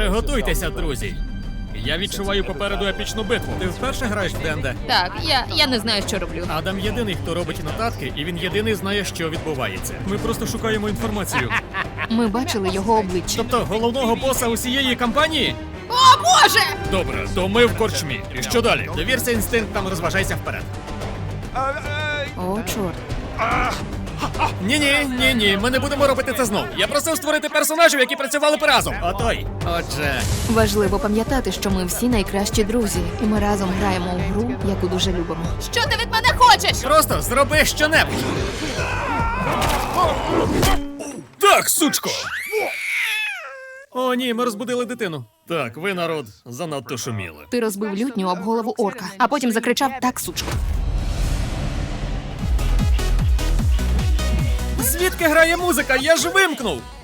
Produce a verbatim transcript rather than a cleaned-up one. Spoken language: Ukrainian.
Приготуйтеся, друзі. Я відчуваю попереду епічну битву. Ти вперше граєш в Денде? Так, я, я не знаю, що роблю. Адам єдиний, хто робить нотатки, і він єдиний знає, що відбувається. Ми просто шукаємо інформацію. Ми бачили його обличчя. Тобто головного боса усієї кампанії? О, Боже! Добре, то ми в корчмі. І що далі? Довірся інстинктам, розважайся вперед. О, чорт. Ні-ні, ні-ні, ми не будемо робити це знов. Я просив створити персонажів, які працювали б разом. Отой. Отже. Важливо пам'ятати, що ми всі найкращі друзі. І ми разом граємо у гру, яку дуже любимо. Що ти від мене хочеш? Просто зроби щонебудь. Так, сучко! О, ні, ми розбудили дитину. Так, ви, народ, занадто шуміли. Ти розбив лютню об голову орка, а потім закричав «Так, сучко». Звідки грає музика? Я ж вимкнув!